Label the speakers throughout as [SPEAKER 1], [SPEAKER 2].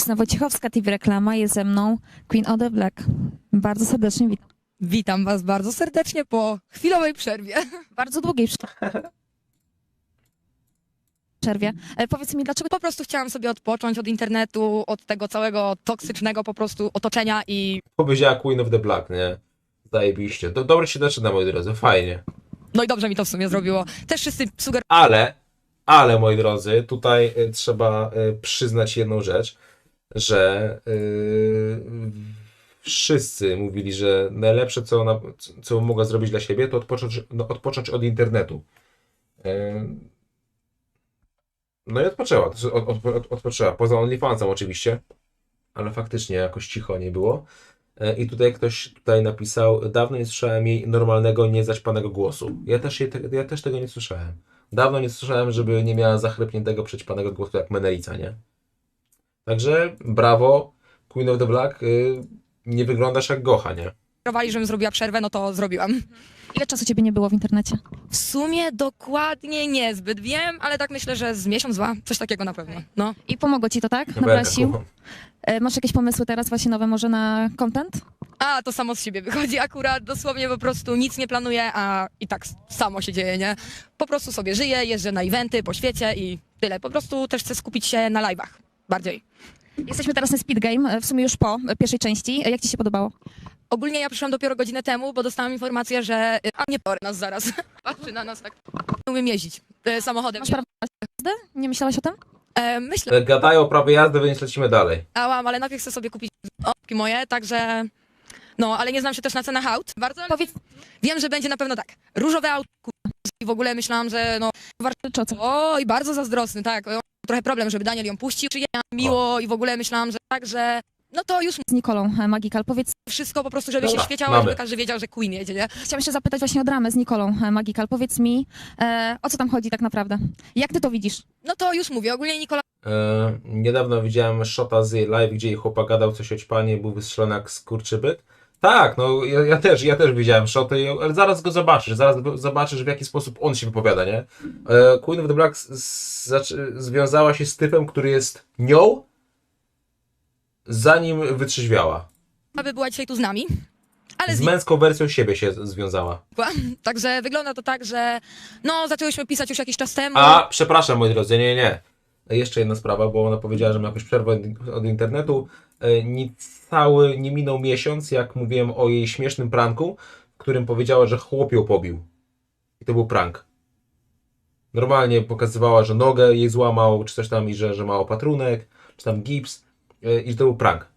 [SPEAKER 1] Justyna Wojciechowska, TV Reklama, jest ze mną Queen of the Black. Bardzo serdecznie witam.
[SPEAKER 2] Witam Was bardzo serdecznie po chwilowej przerwie.
[SPEAKER 1] Bardzo długiej przerwie. Powiedz mi, dlaczego
[SPEAKER 2] Po prostu chciałam sobie odpocząć od internetu, od tego całego toksycznego po prostu otoczenia i
[SPEAKER 3] Powiedziała Queen of the Black, nie? Zajebiście. Dobrze się zaczyna, moi drodzy, fajnie.
[SPEAKER 2] no i dobrze mi to w sumie zrobiło. Też wszyscy
[SPEAKER 3] Ale, moi drodzy, tutaj trzeba przyznać jedną rzecz, że wszyscy mówili, że najlepsze, co mogła zrobić dla siebie, to odpocząć od internetu. No i odpoczęła. Odpoczęła. Poza OnlyFansem oczywiście, ale faktycznie jakoś cicho nie było. I tutaj ktoś napisał: dawno nie słyszałem jej normalnego, niezaćpanego głosu. Ja też tego nie słyszałem. Dawno nie słyszałem, żeby nie miała zachrypniętego, przećpanego głosu jak Menelica, nie? Także brawo, Queen of the Black, nie wyglądasz jak Gocha, nie?
[SPEAKER 2] sugerowali, żebym zrobiła przerwę, no to zrobiłam.
[SPEAKER 1] ile czasu ciebie nie było w internecie?
[SPEAKER 2] W sumie dokładnie niezbyt wiem, ale tak myślę, że z miesiąc, dwa, coś takiego na pewno. No.
[SPEAKER 1] I pomogło ci to, tak?
[SPEAKER 3] Chyba
[SPEAKER 1] Nabrać
[SPEAKER 3] jaka
[SPEAKER 1] sił?
[SPEAKER 3] Gocha.
[SPEAKER 1] Masz jakieś pomysły teraz właśnie nowe może na content?
[SPEAKER 2] A, to samo z siebie wychodzi akurat, dosłownie po prostu nic nie planuję, a i tak samo się dzieje, nie? Po prostu sobie żyję, jeżdżę na eventy po świecie i tyle. Po prostu też chcę skupić się na live'ach bardziej.
[SPEAKER 1] Jesteśmy teraz na Speed Game, w sumie już po pierwszej części. Jak ci się podobało?
[SPEAKER 2] Ogólnie ja przyszłam dopiero godzinę temu, bo dostałam informację, że a nie porę nas zaraz. Patrzy na nas tak. Nie umiem jeździć samochodem.
[SPEAKER 1] Masz prawo jazdy? Nie myślałaś o tym?
[SPEAKER 2] Myślę,
[SPEAKER 3] Gadają o prawie jazdy, więc lecimy dalej.
[SPEAKER 2] ale najpierw chcę sobie kupić opki moje, także no, ale nie znam się też na cenach aut. Bardzo
[SPEAKER 1] Powiedz,
[SPEAKER 2] wiem, że będzie na pewno tak. Różowe aut i w ogóle myślałam, że no
[SPEAKER 1] czy o co?
[SPEAKER 2] oj, bardzo zazdrosny, tak. Trochę problem, żeby Daniel ją puścił. Przyjechała miło i w ogóle myślałam, że tak, że no to już
[SPEAKER 1] Z Nikolą Magical. Powiedz,
[SPEAKER 2] wszystko po prostu, żeby
[SPEAKER 3] Dobra,
[SPEAKER 2] się świeciało,
[SPEAKER 3] mamy.
[SPEAKER 2] żeby każdy wiedział, że Queen jedzie, nie?
[SPEAKER 1] chciałam jeszcze zapytać właśnie o dramę z Nikolą Magical. Powiedz mi, o co tam chodzi tak naprawdę? Jak ty to widzisz?
[SPEAKER 2] No to już mówię, ogólnie Nikola
[SPEAKER 3] Niedawno widziałem shota z jej live, gdzie jej chłopak gadał coś o ćpanie, był wystrzelony jak skurczybyk. Tak, no ja też widziałem shoty, ale zaraz go zobaczysz w jaki sposób on się wypowiada, nie? Queen of the Black związała się z typem, który jest nią, zanim wytrzeźwiała.
[SPEAKER 2] by była dzisiaj tu z nami, ale
[SPEAKER 3] Z męską wersją siebie się związała.
[SPEAKER 2] znikła. Także wygląda to tak, że no zaczęłyśmy pisać już jakiś czas temu.
[SPEAKER 3] A, przepraszam moi drodzy, nie. Jeszcze jedna sprawa, bo ona powiedziała, że ma jakąś przerwę od internetu. Nie minął miesiąc, jak mówiłem o jej śmiesznym pranku, w którym powiedziała, że chłop ją pobił. I to był prank. Normalnie pokazywała, że nogę jej złamał, czy coś tam, i że ma opatrunek, czy tam gips, i że to był prank.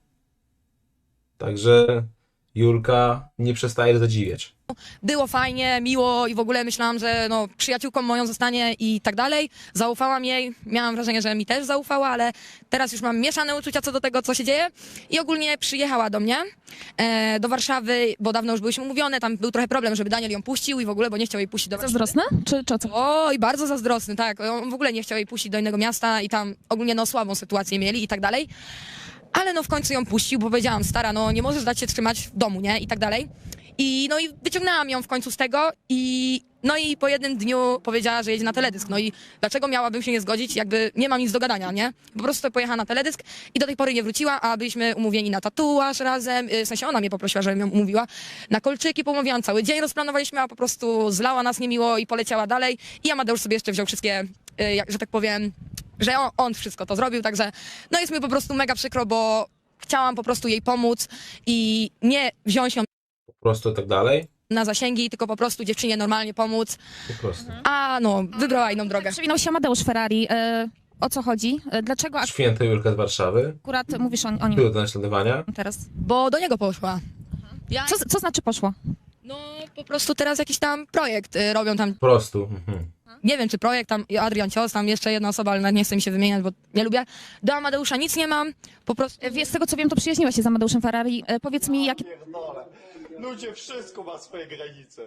[SPEAKER 3] Także Julka nie przestaje zadziwiać.
[SPEAKER 2] Było fajnie, miło i w ogóle myślałam, że no, przyjaciółką moją zostanie i tak dalej. Zaufałam jej, miałam wrażenie, że mi też zaufała, ale teraz już mam mieszane uczucia co do tego, co się dzieje. I ogólnie przyjechała do mnie, do Warszawy, bo dawno już byliśmy umówione, tam był trochę problem, żeby Daniel ją puścił i w ogóle, bo nie chciał jej puścić do Warszawy.
[SPEAKER 1] Zazdrosna? Czy o co?
[SPEAKER 2] Oj, bardzo zazdrosny, tak. On w ogóle nie chciał jej puścić do innego miasta i tam ogólnie no słabą sytuację mieli i tak dalej. Ale no w końcu ją puścił, bo powiedziałam, stara, no nie możesz dać się trzymać w domu, nie? I tak dalej. I wyciągnęłam ją w końcu z tego i po jednym dniu powiedziała, że jedzie na teledysk. No i dlaczego miałabym się nie zgodzić, jakby nie mam nic do gadania, nie? Po prostu pojechała na teledysk i do tej pory nie wróciła, a byliśmy umówieni na tatuaż razem, w sensie ona mnie poprosiła, żebym ją umówiła, na kolczyki pomówiłam, cały dzień rozplanowaliśmy, a po prostu zlała nas niemiło i poleciała dalej i Amadeusz sobie jeszcze wziął wszystkie, że tak powiem, że on wszystko to zrobił, także no jest mi po prostu mega przykro, bo chciałam po prostu jej pomóc i nie wziąć ją
[SPEAKER 3] Po prostu tak dalej.
[SPEAKER 2] na zasięgi, tylko po prostu dziewczynie normalnie pomóc,
[SPEAKER 3] Po prostu.
[SPEAKER 2] a no, wybrała inną drogę.
[SPEAKER 1] Przewinął się Amadeusz Ferrari. O co chodzi? Dlaczego
[SPEAKER 3] Święta Julka z Warszawy.
[SPEAKER 1] akurat mówisz o nim
[SPEAKER 3] Były do naśladowania.
[SPEAKER 1] teraz?
[SPEAKER 2] Bo do niego poszła. Ja,
[SPEAKER 1] Co znaczy poszło?
[SPEAKER 2] no po prostu teraz jakiś tam projekt robią tam,
[SPEAKER 3] Po prostu. Mhm.
[SPEAKER 2] nie wiem czy projekt, tam Adrian Cios, tam jeszcze jedna osoba, ale nawet nie chcę mi się wymieniać, bo nie lubię. Do Amadeusza nic nie mam, po prostu
[SPEAKER 1] Z tego co wiem, to przyjaźniła się z Amadeuszem Ferrari. Powiedz mi, jakie...
[SPEAKER 4] Pierdolę. Ludzie, wszystko ma swoje granice.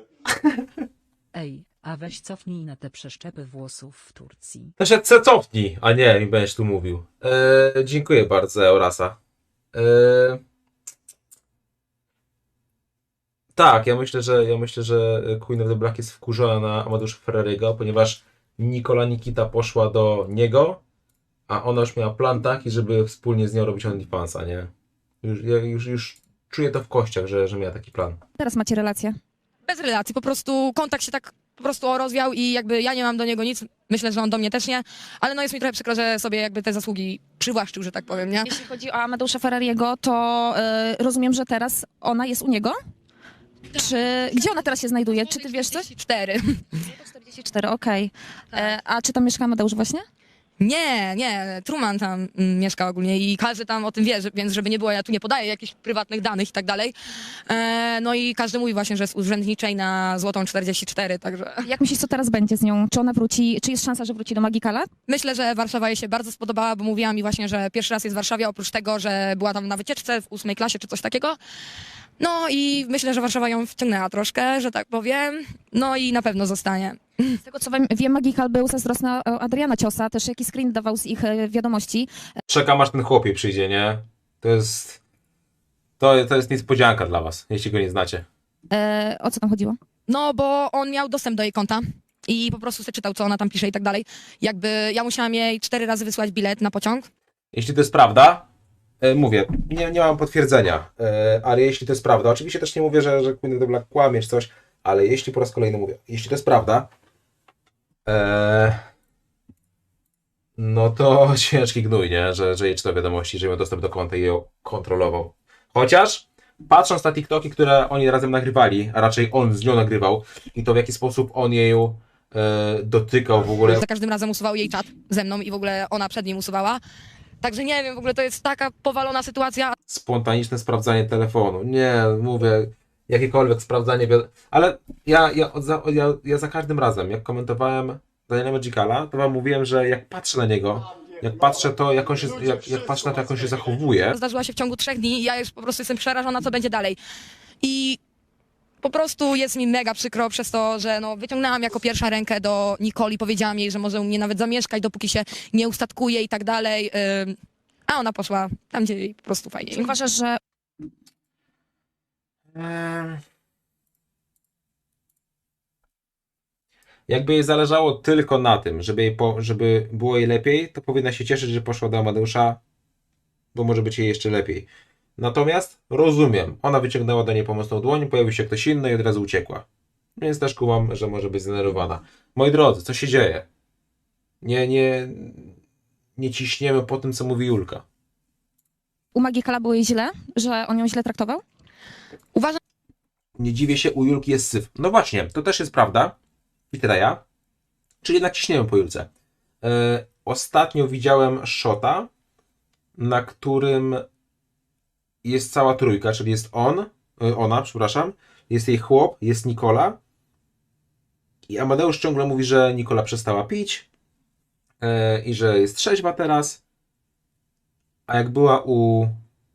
[SPEAKER 5] Ej, a weź cofnij na te przeszczepy włosów w Turcji.
[SPEAKER 3] To się cofnij, a nie mi będziesz tu mówił. Dziękuję bardzo, Eurasa. Tak, ja myślę, że Queen of the Black jest wkurzona na Amadeusza Ferrariego, ponieważ Nikita poszła do niego, a ona już miała plan taki, żeby wspólnie z nią robić OnlyFansa, nie? Już czuję to w kościach, że miała taki plan.
[SPEAKER 1] Teraz macie relację.
[SPEAKER 2] Bez relacji, po prostu kontakt się tak po prostu rozwiał i jakby ja nie mam do niego nic, myślę, że on do mnie też nie, ale no jest mi trochę przykro, że sobie jakby te zasługi przywłaszczył, że tak powiem, nie?
[SPEAKER 1] Jeśli chodzi o Amadeusza Ferrariego, to rozumiem, że teraz ona jest u niego? Czy gdzie ona teraz się znajduje? Czy ty wiesz coś?
[SPEAKER 2] 4.
[SPEAKER 1] 44, okej. A czy tam mieszka Amadeusz właśnie?
[SPEAKER 2] Nie, Truman tam mieszka ogólnie i każdy tam o tym wie, więc żeby nie było, ja tu nie podaję jakichś prywatnych danych i tak dalej. No i każdy mówi właśnie, że jest urzędniczej na złotą 44, także
[SPEAKER 1] Jak myślisz, co teraz będzie z nią? Czy ona wróci, czy jest szansa, że wróci do Magikala?
[SPEAKER 2] myślę, że Warszawa jej się bardzo spodobała, bo mówiła mi właśnie, że pierwszy raz jest w Warszawie, oprócz tego, że była tam na wycieczce w 8 klasie czy coś takiego. No i myślę, że Warszawa ją wciągnęła troszkę, że tak powiem, no i na pewno zostanie.
[SPEAKER 1] Z tego co wiem, Magikal był zazdrosny o Adriana Ciosa, też jakiś screen dawał z ich wiadomości.
[SPEAKER 3] Czekam aż ten chłopie przyjdzie, nie? To jest niespodzianka dla was, jeśli go nie znacie.
[SPEAKER 1] O co tam chodziło?
[SPEAKER 2] No, bo on miał dostęp do jej konta i po prostu sobie czytał, co ona tam pisze i tak dalej. Jakby ja musiałam jej 4 razy wysłać bilet na pociąg.
[SPEAKER 3] Jeśli to jest prawda, mówię, nie mam potwierdzenia, ale jeśli to jest prawda, oczywiście też nie mówię, że Queen of the Black kłamie czy coś, ale jeśli po raz kolejny mówię, jeśli to jest prawda, no to ciężki gnój, nie? Że jej czytał wiadomości, że miał dostęp do konta i ją kontrolował. Chociaż patrząc na TikToki, które oni razem nagrywali, a raczej on z nią nagrywał i to w jaki sposób on jej dotykał w ogóle.
[SPEAKER 2] Za każdym razem usuwał jej czat ze mną i w ogóle ona przed nim usuwała. Także nie wiem, w ogóle to jest taka powalona sytuacja.
[SPEAKER 3] Spontaniczne sprawdzanie telefonu. Nie, mówię, jakiekolwiek sprawdzanie, ale ja za każdym razem, jak komentowałem Daniela Magicala, to wam mówiłem, że jak patrzę na niego, jak patrzę to, jak patrzę na to, jak on się zachowuje,
[SPEAKER 2] Zdarzyła się w ciągu 3 dni i ja już po prostu jestem przerażona, co będzie dalej. I po prostu jest mi mega przykro przez to, że no, wyciągnęłam jako pierwsza rękę do Nikoli, powiedziałam jej, że może u mnie nawet zamieszkać, dopóki się nie ustatkuje i tak dalej. A ona poszła tam, gdzie jej po prostu fajniej.
[SPEAKER 1] Czy uważasz, że
[SPEAKER 3] jakby jej zależało tylko na tym, żeby było jej lepiej, to powinna się cieszyć, że poszła do Amadeusza, bo może być jej jeszcze lepiej. Natomiast rozumiem, ona wyciągnęła do niej pomocną dłoń, pojawił się ktoś inny i od razu uciekła. Więc też kumam, że może być zdenerwowana. Moi drodzy, co się dzieje? Nie ciśniemy po tym, co mówi Julka.
[SPEAKER 1] u Magikala było jej źle, że on ją źle traktował?
[SPEAKER 2] Uważam,
[SPEAKER 3] Nie dziwię się, u Julki jest syf. No właśnie, to też jest prawda. I tyle ja. Czyli jednak ciśniemy po Julce. Ostatnio widziałem shota, na którym jest cała trójka, czyli jest ona, przepraszam, jest jej chłop, jest Nikola i Amadeusz ciągle mówi, że Nikola przestała pić i że jest trzeźwa teraz, a jak była u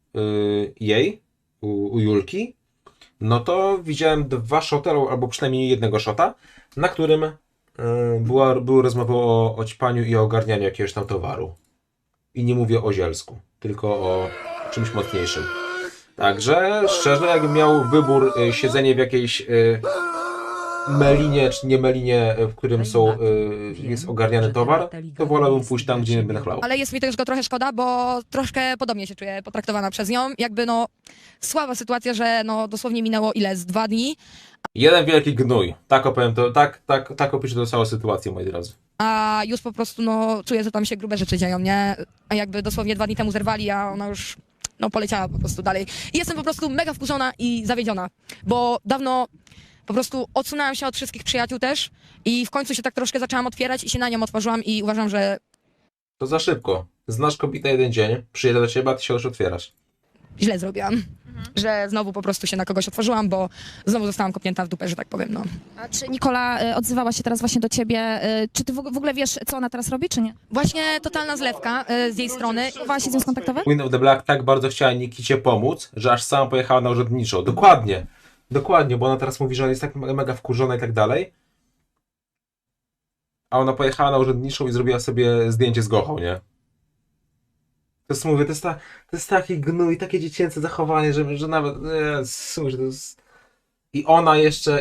[SPEAKER 3] Julki, no to widziałem 2 shoty, albo przynajmniej jednego shota, na którym były rozmowy o ćpaniu i o ogarnianiu jakiegoś tam towaru. I nie mówię o zielsku, tylko o czymś mocniejszym. Także szczerze, jakbym miał wybór siedzenie w jakiejś melinie, czy nie melinie, w którym jest ogarniany towar, to wolałbym pójść tam, gdzie nie będę chlał.
[SPEAKER 2] ale jest mi też go trochę szkoda, bo troszkę podobnie się czuję potraktowana przez nią. Jakby no słaba sytuacja, że no dosłownie minęło z 2 dni,
[SPEAKER 3] Jeden wielki gnój. Tak opowiem to, tak opiszę to całą sytuację, moi drodzy.
[SPEAKER 2] a już po prostu no czuję, że tam się grube rzeczy dzieją, nie? A jakby dosłownie 2 dni temu zerwali, a ona już no poleciała po prostu dalej. I jestem po prostu mega wkurzona i zawiedziona, bo dawno po prostu odsunęłam się od wszystkich przyjaciół też i w końcu się tak troszkę zaczęłam otwierać i się na nią otworzyłam i uważam, że
[SPEAKER 3] To za szybko. Znasz kobietę jeden dzień, przyjedę do ciebie, a ty się już otwierasz.
[SPEAKER 2] źle zrobiłam. Że znowu po prostu się na kogoś otworzyłam, bo znowu zostałam kopnięta w dupę, że tak powiem, no.
[SPEAKER 1] A czy Nikola odzywała się teraz właśnie do ciebie? Czy ty w ogóle wiesz, co ona teraz robi, czy nie?
[SPEAKER 2] Właśnie totalna zlewka z jej strony.
[SPEAKER 1] Próbowałaś się z nią skontaktować?
[SPEAKER 3] Queen of the Black tak bardzo chciała Nikicie pomóc, że aż sama pojechała na urzędniczą. Dokładnie, bo ona teraz mówi, że ona jest tak mega wkurzona i tak dalej. A ona pojechała na urzędniczą i zrobiła sobie zdjęcie z Gochą, nie? To jest, mówię, to jest taki gnój, takie dziecięce zachowanie, że nawet... Słuchaj, to jest... I ona jeszcze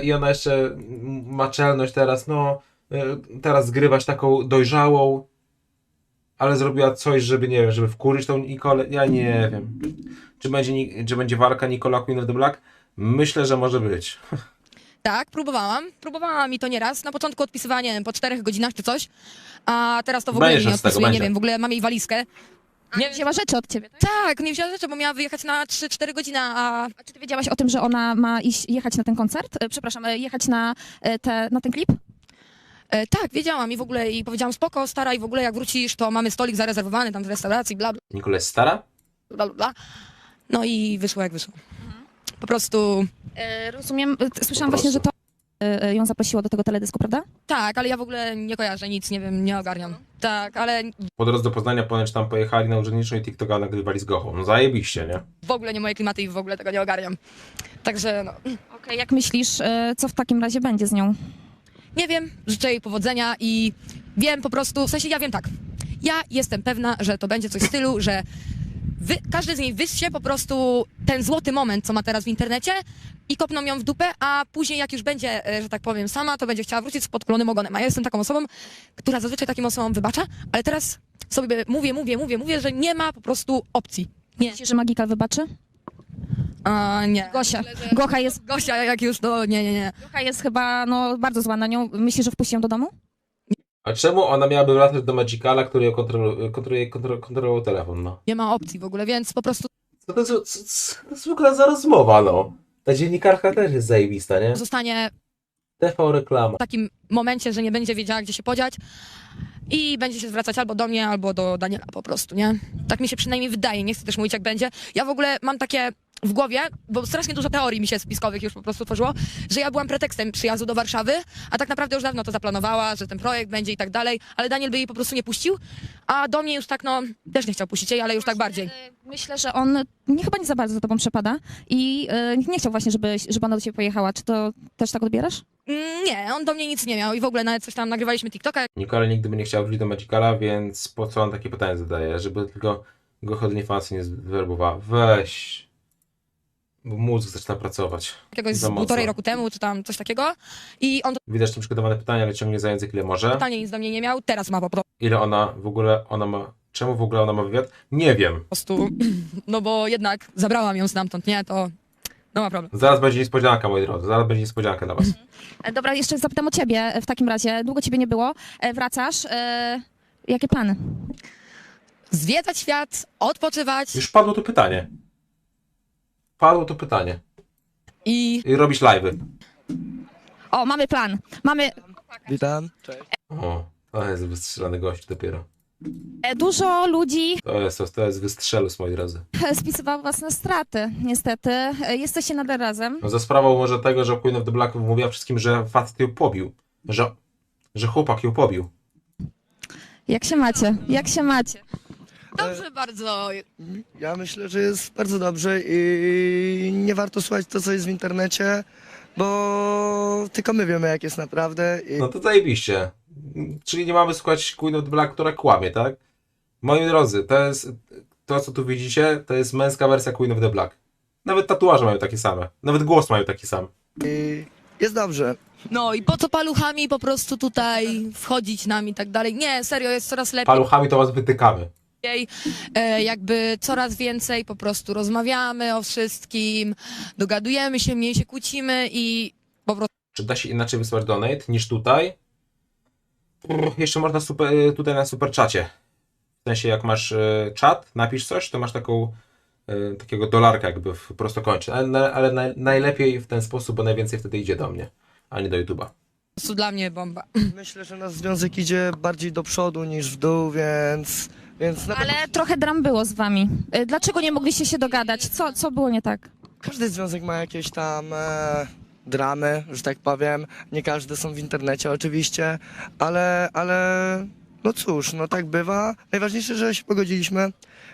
[SPEAKER 3] ma czelność teraz, no... Teraz zgrywać taką dojrzałą. ale zrobiła coś, żeby, nie wiem, żeby wkurzyć tą Nikolę. Ja nie wiem. Czy będzie walka Nikola Queen of the Black? Myślę, że może być.
[SPEAKER 2] Tak, próbowałam i to nieraz. Na początku odpisywała, nie wiem, po 4 godzinach czy coś, a teraz to w ogóle
[SPEAKER 3] Będziesz
[SPEAKER 2] nie
[SPEAKER 3] z tego,
[SPEAKER 2] odpisuje, nie
[SPEAKER 3] będzie.
[SPEAKER 2] wiem, w ogóle mam jej walizkę.
[SPEAKER 1] Nie wzięła rzeczy od ciebie, tak?
[SPEAKER 2] Tak, nie wzięła rzeczy, bo miała wyjechać na 3-4 godziny, a
[SPEAKER 1] A czy ty wiedziałaś o tym, że ona ma jechać na ten koncert? Przepraszam, jechać na ten klip?
[SPEAKER 2] tak, wiedziałam i w ogóle i powiedziałam spoko, stara i w ogóle jak wrócisz, to mamy stolik zarezerwowany tam w restauracji, bla, bla,
[SPEAKER 3] Nikola jest stara?
[SPEAKER 2] bla, bla. No i wyszło jak wyszło. Po prostu
[SPEAKER 1] Rozumiem, słyszałam właśnie, że to ją zaprosiło do tego teledysku, prawda?
[SPEAKER 2] tak, ale ja w ogóle nie kojarzę nic, nie wiem, nie ogarniam. Tak, ale
[SPEAKER 3] Po drodze do Poznania ponoć tam pojechali na urzędniczą i TikToka nagrywali z Gochą. No zajebiście, nie?
[SPEAKER 2] w ogóle nie moje klimaty i w ogóle tego nie ogarniam. Także no,
[SPEAKER 1] Okej, jak myślisz, co w takim razie będzie z nią?
[SPEAKER 2] nie wiem, życzę jej powodzenia i wiem po prostu, w sensie ja wiem tak, ja jestem pewna, że to będzie coś w stylu, że każdy z niej wyssie po prostu ten złoty moment, co ma teraz w internecie i kopną ją w dupę, a później jak już będzie, że tak powiem, sama, to będzie chciała wrócić z podkulonym ogonem. A ja jestem taką osobą, która zazwyczaj takim osobom wybacza, ale teraz sobie mówię, że nie ma po prostu opcji. Nie.
[SPEAKER 1] Myślisz, że Magikal wybaczy?
[SPEAKER 2] Nie.
[SPEAKER 1] Gosia. Gocha jest,
[SPEAKER 2] Gosia, jak już, to nie.
[SPEAKER 1] Gocha jest chyba bardzo zła na nią. Myślisz, że wpuści ją do domu?
[SPEAKER 3] A czemu ona miałaby wracać do Magicala, który ją kontrolował telefon, no?
[SPEAKER 2] Nie ma opcji w ogóle, więc po prostu
[SPEAKER 3] Co to jest w ogóle za rozmowa, no? Ta dziennikarka też jest zajebista, nie?
[SPEAKER 2] zostanie
[SPEAKER 3] TV reklama.
[SPEAKER 2] w takim momencie, że nie będzie wiedziała, gdzie się podziać i będzie się zwracać albo do mnie, albo do Daniela po prostu, nie? Tak mi się przynajmniej wydaje, nie chcę też mówić, jak będzie. Ja w ogóle mam takie w głowie, bo strasznie dużo teorii mi się spiskowych już po prostu tworzyło, że ja byłam pretekstem przyjazdu do Warszawy, a tak naprawdę już dawno to zaplanowała, że ten projekt będzie i tak dalej, ale Daniel by jej po prostu nie puścił, a do mnie już tak, no, też nie chciał puścić jej, ale już tak bardziej.
[SPEAKER 1] Myślę, że on chyba nie za bardzo za tobą przepada i nie chciał właśnie, żeby ona do ciebie pojechała. Czy to też tak odbierasz?
[SPEAKER 2] Nie, on do mnie nic nie miał i w ogóle nawet coś tam nagrywaliśmy TikToka,
[SPEAKER 3] Nikola nigdy by nie chciała wrócić do Magicala, więc po co on takie pytanie zadaje? Żeby tylko go chodnie fancy nie zwerbowała. Weź. Bo mózg zaczyna pracować.
[SPEAKER 2] jakiegoś z
[SPEAKER 3] Za mocno.
[SPEAKER 2] 1,5 roku temu, czy tam coś takiego i on
[SPEAKER 3] Widać tam przygotowane pytania, ale ciągnie za język ile może.
[SPEAKER 2] totalnie nic do mnie nie miał, teraz ma po
[SPEAKER 3] Ile ona w ogóle ma... Czemu w ogóle ona ma wywiad? Nie wiem.
[SPEAKER 2] prostu, no bo jednak zabrałam ją stamtąd, nie, to no ma problem.
[SPEAKER 3] Zaraz będzie niespodzianka, moi drodzy. Zaraz będzie niespodzianka dla was.
[SPEAKER 1] Dobra, jeszcze zapytam o ciebie w takim razie. Długo ciebie nie było. Wracasz. Jakie plany?
[SPEAKER 2] Zwiedzać świat, odpoczywać
[SPEAKER 3] Już padło to pytanie. Padło to pytanie.
[SPEAKER 2] i
[SPEAKER 3] I robisz live'y.
[SPEAKER 1] O, mamy plan. Mamy
[SPEAKER 6] Witam. Cześć.
[SPEAKER 3] O, to jest wystrzelany gość dopiero.
[SPEAKER 1] dużo ludzi
[SPEAKER 3] To jest wystrzelus, moi drodzy.
[SPEAKER 1] spisywało was na straty, niestety. Jesteście nadal razem.
[SPEAKER 3] No za sprawą może tego, że Queen of the Black mówiła wszystkim, że facet ją pobił. Że chłopak ją pobił.
[SPEAKER 1] Jak się macie? Jak się macie?
[SPEAKER 2] dobrze bardzo.
[SPEAKER 6] Ja myślę, że jest bardzo dobrze i nie warto słuchać to, co jest w internecie, bo tylko my wiemy, jak jest naprawdę.
[SPEAKER 3] No to zajebiście. Czyli nie mamy słuchać Queen of the Black, która kłamie, tak? Moi drodzy, to, co tu widzicie, to jest męska wersja Queen of the Black. Nawet tatuaże mają takie same. Nawet głos mają taki sam.
[SPEAKER 6] I jest dobrze.
[SPEAKER 2] No i po co paluchami po prostu tutaj wchodzić nam i tak dalej. Nie, serio, jest coraz lepiej,
[SPEAKER 3] Paluchami to was wytykamy.
[SPEAKER 2] jakby coraz więcej po prostu rozmawiamy o wszystkim, dogadujemy się, mniej się kłócimy i po prostu
[SPEAKER 3] Czy da się inaczej wysłać donate niż tutaj? Jeszcze można tutaj na super czacie. W sensie jak masz czat, napisz coś, to masz takiego dolarka jakby w prostokącie. Ale najlepiej w ten sposób, bo najwięcej wtedy idzie do mnie, a nie do YouTube'a.
[SPEAKER 2] dla mnie bomba.
[SPEAKER 6] Myślę, że nasz związek idzie bardziej do przodu niż w dół, więc na pewno
[SPEAKER 1] Ale trochę dram było z wami. Dlaczego nie mogliście się dogadać? Co było nie tak?
[SPEAKER 6] każdy związek ma jakieś tam dramy, że tak powiem. Nie każde są w internecie oczywiście, ale no cóż, no tak bywa. Najważniejsze, że się pogodziliśmy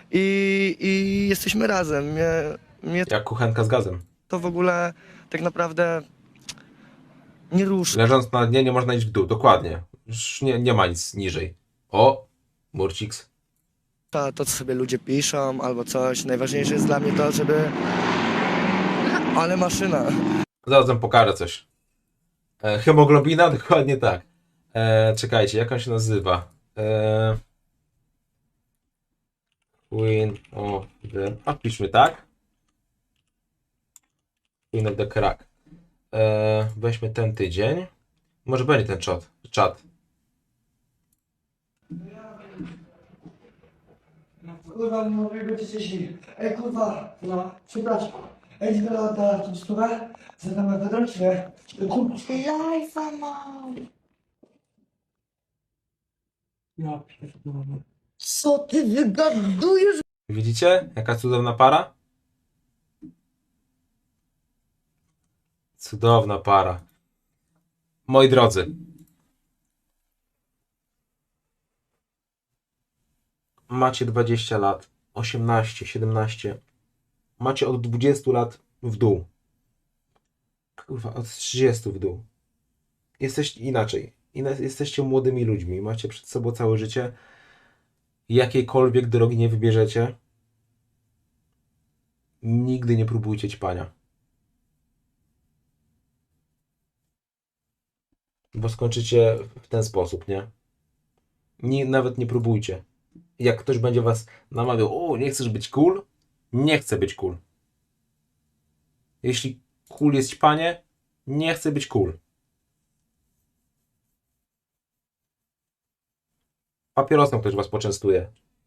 [SPEAKER 6] i jesteśmy razem. Mnie
[SPEAKER 3] Jak kuchenka z gazem.
[SPEAKER 6] to w ogóle tak naprawdę nie ruszy.
[SPEAKER 3] Leżąc na dnie nie można iść w dół, dokładnie. Już nie ma nic niżej. O, Murciks.
[SPEAKER 6] To, co sobie ludzie piszą albo coś. Najważniejsze jest dla mnie to, żeby... Ale maszyna.
[SPEAKER 3] Zaraz wam pokażę coś. Hemoglobina? Dokładnie tak. Czekajcie, jak on się nazywa? Queen of the... A piszmy tak. Queen of the Crack. Weźmy ten tydzień. Może będzie ten czat.
[SPEAKER 6] Kurwa, mówię go dzisiaj. Ej, kurwa, no, przepraszam. Ej, zbiera ta tą stówę? Za tam na czy nie? Kurwa, live'a mam. Ja pierdolę. Co ty wygadujesz?
[SPEAKER 3] Widzicie? Jaka cudowna para? Cudowna para. Moi drodzy. Macie 20 lat, 18, 17. Macie od 20 lat w dół. Kurwa, od 30 w dół. Jesteście inaczej. Jesteście młodymi ludźmi. Macie przed sobą całe życie. Jakiejkolwiek drogi nie wybierzecie, nigdy nie próbujcie ćpania. Bo skończycie w ten sposób, nie? Nawet nie próbujcie. Jak ktoś będzie was namawiał, o, nie chcesz być cool? Nie chcę być cool. Jeśli cool jest ćpanie, nie chcę być cool. Papierosem ktoś was poczęstuje.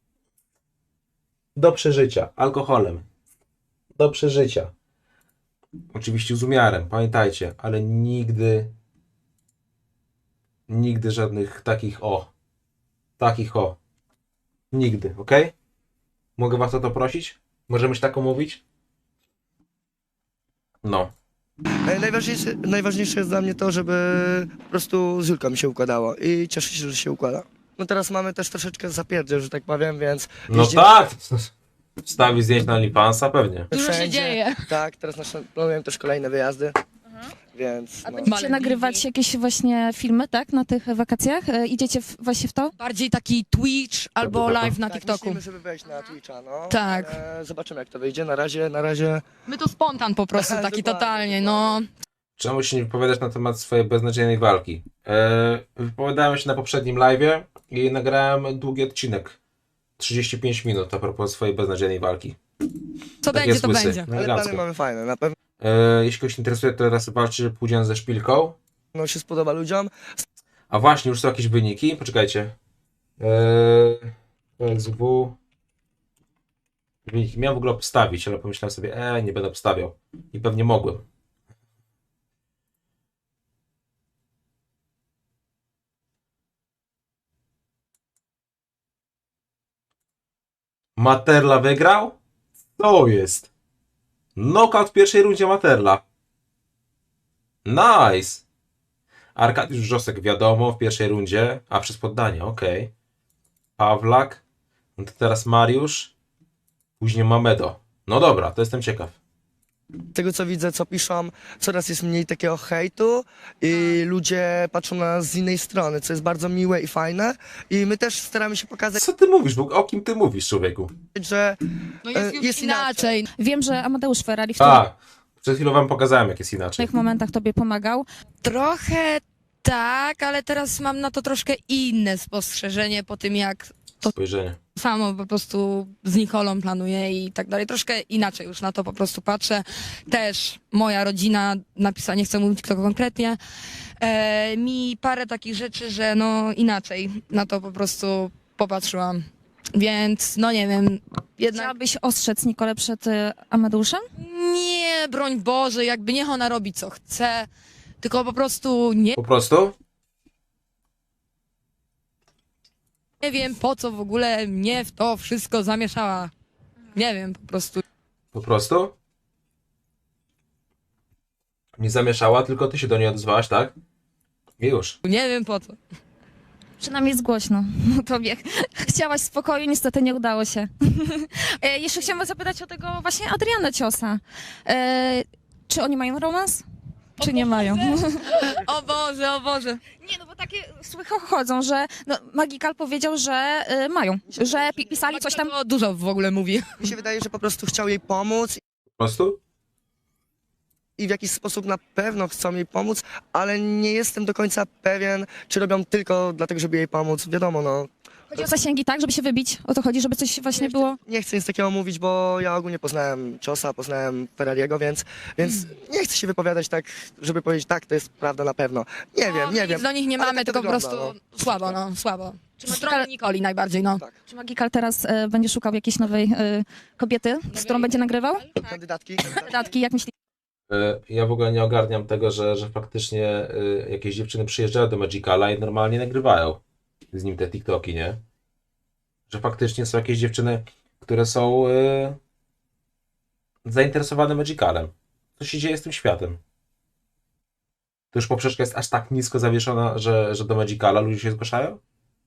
[SPEAKER 3] Do przeżycia. Alkoholem. Do przeżycia. Oczywiście z umiarem, pamiętajcie, ale nigdy żadnych takich nigdy, ok? Mogę was o to prosić? Możemy się taką mówić? No.
[SPEAKER 6] Najważniejsze jest dla mnie to, żeby po prostu z Julką mi się układało i cieszę się, że się układa. No teraz mamy też troszeczkę zapierdziel, że tak powiem, więc...
[SPEAKER 3] No
[SPEAKER 6] jeździmy
[SPEAKER 3] tak! Wstawi zdjęć na OnlyFansa pewnie.
[SPEAKER 2] Dużo się
[SPEAKER 6] wszędzie.
[SPEAKER 2] dzieje.
[SPEAKER 6] Tak, teraz planujemy też kolejne wyjazdy, więc...
[SPEAKER 1] A
[SPEAKER 6] No.
[SPEAKER 1] będziecie
[SPEAKER 2] Malediwy.
[SPEAKER 1] nagrywać jakieś właśnie filmy, tak, na tych wakacjach? Idziecie właśnie w to?
[SPEAKER 2] Bardziej taki Twitch albo
[SPEAKER 3] Dobra.
[SPEAKER 2] live na
[SPEAKER 6] Tak,
[SPEAKER 2] TikToku.
[SPEAKER 6] myślimy, żeby wejść na Twitcha, no.
[SPEAKER 2] Tak.
[SPEAKER 6] Zobaczymy, jak to wyjdzie. Na razie...
[SPEAKER 2] My to spontan po prostu, taki
[SPEAKER 6] Dokładnie,
[SPEAKER 2] totalnie, no.
[SPEAKER 3] Czemu się nie wypowiadasz na temat swojej beznadziejnej walki? Wypowiadałem się na poprzednim live'ie i nagrałem długi odcinek. 35 minut a propos swojej beznadziejnej walki.
[SPEAKER 2] Co
[SPEAKER 3] Tak
[SPEAKER 2] będzie,
[SPEAKER 3] jest
[SPEAKER 2] to
[SPEAKER 3] łysy.
[SPEAKER 2] będzie.
[SPEAKER 3] No
[SPEAKER 6] Ale
[SPEAKER 3] elegancko.
[SPEAKER 6] plany mamy fajne, na pewno
[SPEAKER 3] Jeśli kogoś interesuje, to teraz walczy Pudzian ze Szpilką.
[SPEAKER 6] się spodoba ludziom.
[SPEAKER 3] A właśnie, już są jakieś wyniki. Poczekajcie. PSW. Wyniki miałem w ogóle obstawić, ale pomyślałem sobie, nie będę obstawiał. I pewnie mogłem. Materla wygrał? To jest. Knockout w pierwszej rundzie Materla. Nice. Arkadiusz Wrzosek wiadomo w pierwszej rundzie, a przez poddanie, okej. Pawlak. No to teraz Mariusz. Później Mamedo. No dobra, to jestem ciekaw.
[SPEAKER 6] Z tego co widzę, co piszą, coraz jest mniej takiego hejtu i ludzie patrzą na nas z innej strony, co jest bardzo miłe i fajne. I my też staramy się pokazać,
[SPEAKER 3] Co ty mówisz? O kim ty mówisz, człowieku?
[SPEAKER 6] że
[SPEAKER 2] No jest już
[SPEAKER 6] jest inaczej.
[SPEAKER 2] inaczej.
[SPEAKER 1] Wiem, że Amadeusz Ferrari w tych
[SPEAKER 3] A, przed chwilą wam pokazałem, jak jest inaczej.
[SPEAKER 1] momentach tobie pomagał.
[SPEAKER 2] Trochę tak, ale teraz mam na to troszkę inne spostrzeżenie po tym, jak
[SPEAKER 3] Spojrzenie.
[SPEAKER 2] samo po prostu z Nikolą planuję i tak dalej. Troszkę inaczej już na to po prostu patrzę. Też moja rodzina napisała, nie chcę mówić kto konkretnie, mi parę takich rzeczy, że no inaczej na to po prostu popatrzyłam. Więc no nie wiem, jednak
[SPEAKER 1] Chciałabyś ostrzec Nikolę przed Amadeuszem?
[SPEAKER 2] nie, broń Boże, jakby niech ona robi co chce, tylko po prostu
[SPEAKER 3] Po prostu?
[SPEAKER 2] nie wiem po co w ogóle mnie w to wszystko zamieszała. Nie wiem, po prostu.
[SPEAKER 3] Po prostu? Nie zamieszała, tylko ty się do niej odezwałaś, tak? I już.
[SPEAKER 2] Nie wiem po co.
[SPEAKER 1] Przynajmniej jest głośno tobie. Chciałaś spokoju, niestety nie udało się. Jeszcze chciałam zapytać o tego właśnie Adriana Ciosa. Czy oni mają romans? Czy nie mają?
[SPEAKER 2] O Boże, o Boże.
[SPEAKER 1] Nie, no bo takie słychy chodzą, że no, Magikal powiedział, że mają, że pisali coś tam.
[SPEAKER 2] To dużo w ogóle mówi.
[SPEAKER 6] Mi się wydaje, że po prostu chciał jej pomóc
[SPEAKER 3] Po prostu?
[SPEAKER 6] i w jakiś sposób na pewno chcą jej pomóc, ale nie jestem do końca pewien, czy robią tylko dlatego, żeby jej pomóc. Wiadomo, no,
[SPEAKER 1] Chodzi o zasięgi, tak? Żeby się wybić? O to chodzi, żeby coś właśnie było...
[SPEAKER 6] Nie chcę nic takiego mówić, bo ja ogólnie poznałem Ciosa, poznałem Ferrariego, więc nie chcę się wypowiadać tak, żeby powiedzieć tak, to jest prawda na pewno. Nie wiem, nie
[SPEAKER 2] Nic
[SPEAKER 6] wiem.
[SPEAKER 2] do nich nie
[SPEAKER 6] Ale
[SPEAKER 2] mamy,
[SPEAKER 6] tak to
[SPEAKER 2] tylko po
[SPEAKER 6] wygląda,
[SPEAKER 2] prostu słabo, no, słabo.
[SPEAKER 1] Czy
[SPEAKER 2] No, trochę Nikoli najbardziej, no.
[SPEAKER 6] Tak.
[SPEAKER 1] Czy Magikal teraz będzie szukał jakiejś nowej kobiety, z którą będzie nagrywał?
[SPEAKER 6] Kandydatki?
[SPEAKER 1] Dodatki, jak myślisz?
[SPEAKER 3] Ja w ogóle nie ogarniam tego, że faktycznie jakieś dziewczyny przyjeżdżają do Magicala i normalnie nagrywają z nim te TikToki, nie? Że faktycznie są jakieś dziewczyny, które są zainteresowane Magicalem. Co się dzieje z tym światem? To już poprzeczka jest aż tak nisko zawieszona, że do Magicala ludzie się zgłaszają?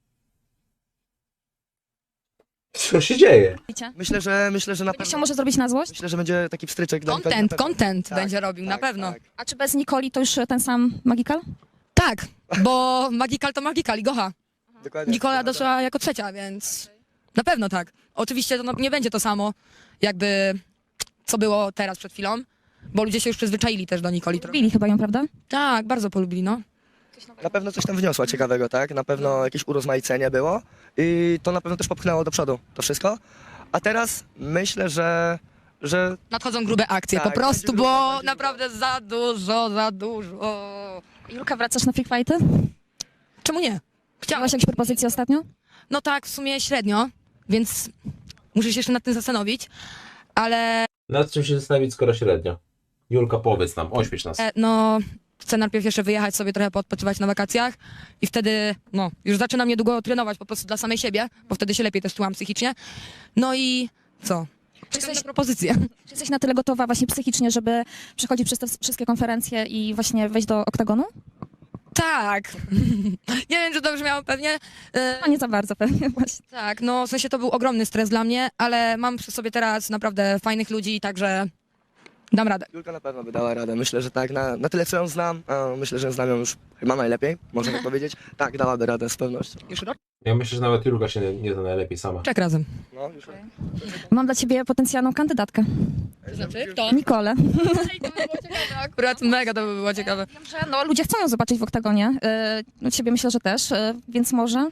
[SPEAKER 3] Co się dzieje?
[SPEAKER 6] Myślę, że na
[SPEAKER 1] Będzie chciał
[SPEAKER 6] pewno.
[SPEAKER 1] może zrobić na złość?
[SPEAKER 6] Myślę, że będzie taki wstryczek dla Nikoli na pewno.
[SPEAKER 2] Content
[SPEAKER 6] Tak,
[SPEAKER 2] będzie robił, na
[SPEAKER 6] tak,
[SPEAKER 2] pewno.
[SPEAKER 6] tak.
[SPEAKER 1] A czy bez Nikoli to już ten sam Magikal?
[SPEAKER 2] Tak, bo Magikal to Magikal i Gocha.
[SPEAKER 6] Dokładnie.
[SPEAKER 2] Nikola doszła jako trzecia, więc na pewno tak. Oczywiście to nie będzie to samo, jakby co było teraz przed chwilą, bo ludzie się już przyzwyczaili też do Nikoli trochę.
[SPEAKER 1] Lubili chyba ją, prawda?
[SPEAKER 2] Tak, bardzo polubili, no.
[SPEAKER 6] Na pewno coś tam wniosła ciekawego, tak? Na pewno jakieś urozmaicenie było i to na pewno też popchnęło do przodu to wszystko. A teraz myślę, że
[SPEAKER 2] Nadchodzą grube akcje,
[SPEAKER 6] Tak,
[SPEAKER 2] po prostu,
[SPEAKER 6] będzie grubo,
[SPEAKER 2] bo
[SPEAKER 6] będzie
[SPEAKER 2] naprawdę za dużo, za dużo.
[SPEAKER 1] Julka, wracasz na free fighty?
[SPEAKER 2] Czemu nie? Chciałam.
[SPEAKER 1] Miałaś jakieś propozycje ostatnio?
[SPEAKER 2] No tak, w sumie średnio, więc muszę się jeszcze nad tym zastanowić, ale
[SPEAKER 3] Nad czym się zastanowić, skoro średnio? Julka, powiedz nam, oświeć nas.
[SPEAKER 2] no chcę najpierw jeszcze wyjechać sobie trochę poodpoczywać na wakacjach i wtedy, no, już zaczynam niedługo trenować po prostu dla samej siebie, bo wtedy się lepiej też czułam psychicznie. No i co? Czekam na propozycję.
[SPEAKER 1] Czy jesteś na tyle gotowa właśnie psychicznie, żeby przechodzić przez te wszystkie konferencje i właśnie wejść do oktagonu?
[SPEAKER 2] Tak. Nie wiem, czy to brzmiało pewnie.
[SPEAKER 1] No nie za bardzo pewnie właśnie.
[SPEAKER 2] Tak, no w sensie to był ogromny stres dla mnie, ale mam przy sobie teraz naprawdę fajnych ludzi, także dam radę.
[SPEAKER 6] Julka na pewno by dała radę. Myślę, że tak, na tyle co ją znam, a myślę, że znam ją już chyba najlepiej, można tak powiedzieć. Tak, dałaby radę z pewnością.
[SPEAKER 2] Już rok?
[SPEAKER 3] Ja myślę, że nawet Julka się nie zna najlepiej sama.
[SPEAKER 2] Czek razem.
[SPEAKER 6] No, już
[SPEAKER 1] Mam dla ciebie potencjalną kandydatkę.
[SPEAKER 2] Znaczy? Kto?
[SPEAKER 1] Nikolę.
[SPEAKER 2] Akurat mega to by było ciekawe.
[SPEAKER 1] Wiem, że no, ludzie chcą ją zobaczyć w oktagonie. No, ciebie myślę, że też, więc może.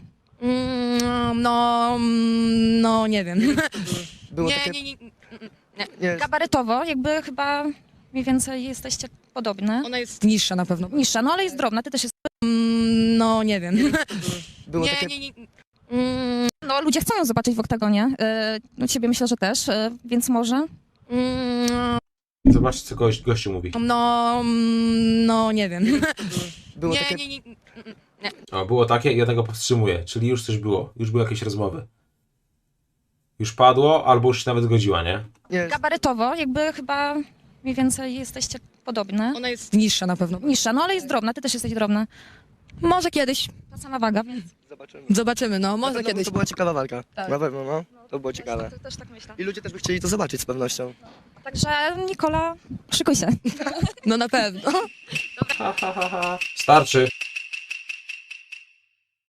[SPEAKER 2] No nie wiem.
[SPEAKER 6] było
[SPEAKER 2] Nie,
[SPEAKER 6] takie...
[SPEAKER 2] nie, nie.
[SPEAKER 6] Nie,
[SPEAKER 1] Gabarytowo jakby chyba mniej więcej jesteście podobne.
[SPEAKER 2] Ona jest niższa na pewno.
[SPEAKER 1] Niższa, no ale jest drobna, ty też jest...
[SPEAKER 2] No nie wiem.
[SPEAKER 6] było
[SPEAKER 2] Nie,
[SPEAKER 6] takie...
[SPEAKER 2] nie, nie.
[SPEAKER 1] No ludzie chcą ją zobaczyć w oktagonie. No ciebie myślę, że też, więc może.
[SPEAKER 3] Zobaczcie, co gościu mówi.
[SPEAKER 2] No nie wiem.
[SPEAKER 6] Było
[SPEAKER 2] Nie,
[SPEAKER 6] takie...
[SPEAKER 2] nie, nie.
[SPEAKER 3] O, było takie i ja tego powstrzymuję, czyli już coś było, już były jakieś rozmowy. Już padło, albo już się nawet zgodziła, nie?
[SPEAKER 6] Nie,
[SPEAKER 1] Gabarytowo jakby chyba mniej więcej jesteście podobne.
[SPEAKER 2] Ona jest niższa na pewno.
[SPEAKER 1] Niższa, no ale jest drobna, ty też jesteś drobna.
[SPEAKER 2] Może kiedyś.
[SPEAKER 1] Ta sama waga, więc...
[SPEAKER 6] zobaczymy.
[SPEAKER 2] Zobaczymy, no,
[SPEAKER 6] Na
[SPEAKER 2] może
[SPEAKER 6] pewno
[SPEAKER 2] kiedyś.
[SPEAKER 6] To była ciekawa walka.
[SPEAKER 2] Tak.
[SPEAKER 6] Na pewno, no. To było ciekawe.
[SPEAKER 1] Też tak myślę.
[SPEAKER 6] I ludzie też by chcieli to zobaczyć z pewnością.
[SPEAKER 1] Także Nikola, szykuj się.
[SPEAKER 2] No na pewno.
[SPEAKER 3] Starczy.